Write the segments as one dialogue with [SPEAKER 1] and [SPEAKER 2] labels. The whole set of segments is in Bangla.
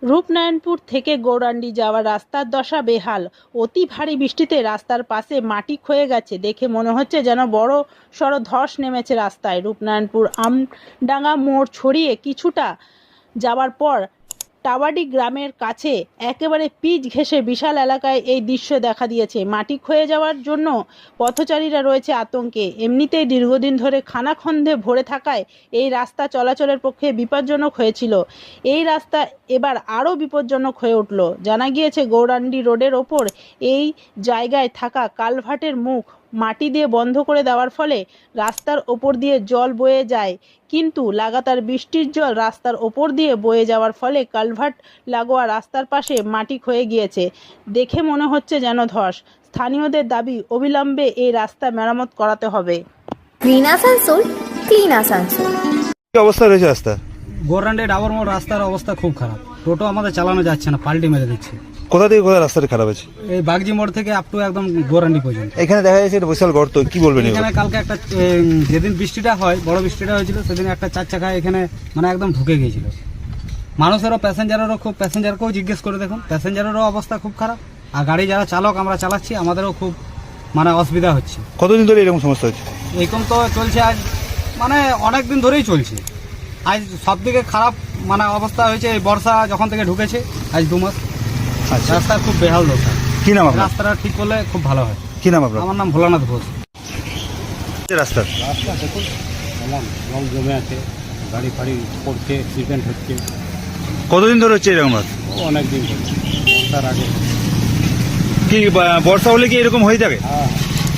[SPEAKER 1] রূপনারায়ণপুর থেকে গৌরাণ্ডি যাওয়ার রাস্তার দশা বেহাল। অতি ভারী বৃষ্টিতে রাস্তার পাশে মাটি ক্ষয়ে গেছে। দেখে মনে হচ্ছে যেন বড় সড় ধস নেমেছে রাস্তায়। রূপনারায়ণপুর আমডাঙ্গা মোড় ছড়িয়ে কিছুটা যাওয়ার পর টাওয়াডি গ্রামের কাছে একেবারে পিচ ঘেঁষে বিশাল এলাকায় এই দৃশ্য দেখা দিয়েছে। মাটি ক্ষয়ে যাওয়ার জন্য পথচারীরা রয়েছে আতঙ্কে। এমনিতেই দীর্ঘদিন ধরে খানাখন্দে ভরে থাকায় এই রাস্তা চলাচলের পক্ষে বিপজ্জনক হয়েছিল। এই রাস্তা এবার আরও বিপজ্জনক হয়ে উঠল। জানা গিয়েছে গৌরাণ্ডি রোডের ওপর এই জায়গায় থাকা কালভার্টের মুখ মাটি দিয়ে বন্ধ করে দেওয়ার ফলে রাস্তার ওপর দিয়ে জল বয়ে যায়, কিন্তু লাগাতার বৃষ্টির জল রাস্তার ওপর দিয়ে বয়ে যাওয়ার ফলে কালভার্ট লাগোয়া রাস্তার পাশে মাটি ক্ষয়ে গিয়েছে। দেখে মনে হচ্ছে যেন ধস। স্থানীয়দের দাবি অবিলম্বে এই রাস্তা মেরামত করাতে হবে।
[SPEAKER 2] Clean Asansol, clean Asansol.
[SPEAKER 3] কি অবস্থা রয়েছে রাস্তা?
[SPEAKER 4] গৌরাণ্ডি ডাবর মোড় রাস্তার অবস্থা খুব খারাপ। টোটো আমাদের চালানো যাচ্ছে না, পাল্টি মেরে দিচ্ছে।
[SPEAKER 3] কোথা থেকে কোথায় রাস্তাটা খারাপ আছে?
[SPEAKER 4] এই বাগজি মোড় থেকে আপ টু একদম গৌরাণ্ডি পর্যন্ত।
[SPEAKER 3] এখানে দেখা যাচ্ছে একটা বিশাল গর্ত, কি বলবেন?
[SPEAKER 4] এখানে কালকে একটা যেদিন বৃষ্টিটা হয়, বড় বৃষ্টিটা হয়েছিল, সেদিন একটা চার চাকা এখানে মানে একদম ঢুকে গিয়েছিল। মানুষেরও প্যাসেঞ্জারকেও জিজ্ঞেস করে দেখুন, প্যাসেঞ্জারেরও অবস্থা খুব খারাপ। আর গাড়ি যারা চালক আমরা চালাচ্ছি, আমাদেরও খুব মানে অসুবিধা হচ্ছে।
[SPEAKER 3] কতদিন ধরে এরকম সমস্যা হচ্ছে?
[SPEAKER 4] এরকম তো চলছে আজ মানে অনেক দিন ধরেই চলছে। আজ সব দিকে খারাপ মানে অবস্থা হয়েছে এই বর্ষা যখন থেকে ঢুকেছে, আজ 2 মাস।
[SPEAKER 3] আচ্ছা,
[SPEAKER 4] রাস্তা খুব বেহাল দশা।
[SPEAKER 3] কি নাম আপনার?
[SPEAKER 4] রাস্তাটা ঠিক করলে খুব ভালো হয়।
[SPEAKER 3] কি নাম আপনার?
[SPEAKER 4] আমার নাম ভোলানাথ ঘোষ।
[SPEAKER 3] রাস্তা
[SPEAKER 5] দেখুন এমন জল জমে আছে, গাড়ি ফাড়ি পড়ছে, অ্যাক্সিডেন্ট হচ্ছে।
[SPEAKER 3] কতদিন ধরে হচ্ছে এরকম?
[SPEAKER 5] অনেক দিন ধরে, বর্ষার আগে।
[SPEAKER 3] কি বর্ষা হলে কি এরকম হয়ে থাকে?
[SPEAKER 5] হ্যাঁ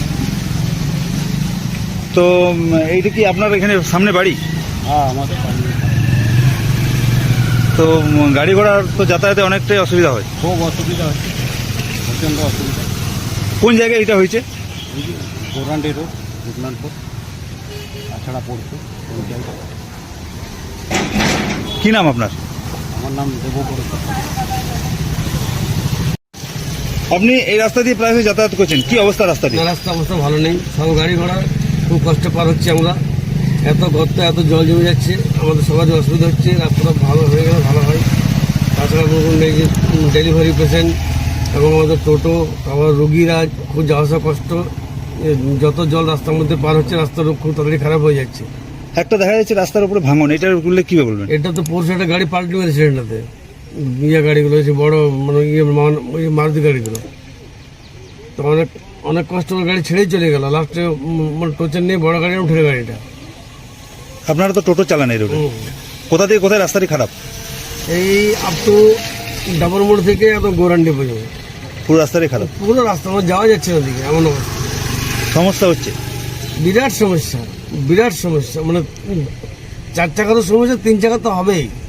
[SPEAKER 3] তো এইটা কি আপনার এখানে সামনে বাড়ি?
[SPEAKER 5] হ্যাঁ, আমাদের সামনে।
[SPEAKER 3] তো গাড়ি ঘোড়ার তো যাতায়াতে অনেকটাই অসুবিধা হয়।
[SPEAKER 5] খুব অসুবিধা হচ্ছে, প্রচণ্ড অসুবিধা।
[SPEAKER 3] কোন জায়গায় এটা হয়েছে?
[SPEAKER 5] এই যে গৌরাণ্ডি রোড, রূপনারায়ণপুর তাছাড়া পড়ছে ওই জায়গায়।
[SPEAKER 3] কি নাম আপনার?
[SPEAKER 5] আমার নাম দেবপুর।
[SPEAKER 3] আপনি এই রাস্তা দিয়ে প্রায় যাতায়াত করছেন, কি অবস্থা রাস্তাটি?
[SPEAKER 6] রাস্তা অবস্থা ভালো নেই, সব গাড়ি ঘোড়া খুব কষ্ট পার হচ্ছে আমরা। এত গর্ত, এত জল জমে যাচ্ছে, আমাদের সবার অসুবিধা হচ্ছে। রাস্তাটা ভালো হয়ে গেলে ভালো হয়। তাছাড়া এই যে ডেলিভারি পেশেন্ট এবং আমাদের টোটো, আবার রুগীরা খুব যাওয়া আসা কষ্ট। যত জল রাস্তার মধ্যে পার হচ্ছে, রাস্তার খুব তাড়াতাড়ি খারাপ হয়ে যাচ্ছে।
[SPEAKER 3] একটা দেখা যাচ্ছে রাস্তার উপরে ভাঙন, এটার বললে কি বলবেন?
[SPEAKER 6] এটা তো পরশু একটা গাড়ি পাল্টে মেরেছে এটাতে, গাড়িগুলো হচ্ছে বড় মানে মারুতি গাড়িগুলো। তো অনেক অনেক কষ্ট করে গাড়ি ছেড়েই চলে গেল। লাস্টে মানে টোচের নিয়ে বড় গাড়ি উঠে গাড়িটা।
[SPEAKER 3] আপনারা তো টোটো চালান এই রোডে, কোথা থেকে কোথায় রাস্তাটি খারাপ?
[SPEAKER 6] এই আপ টু ডাবর মোড় থেকে একদম গৌরাণ্ডি পর্যন্ত
[SPEAKER 3] পুরো রাস্তাটাই খারাপ।
[SPEAKER 6] পুরো রাস্তা আমার যাওয়া যাচ্ছে না দিকে, এমন অবস্থা।
[SPEAKER 3] সমস্যা হচ্ছে,
[SPEAKER 6] বিরাট সমস্যা, বিরাট সমস্যা। মানে 4 চাকারও সমস্যা, 3 চাকা তো হবেই।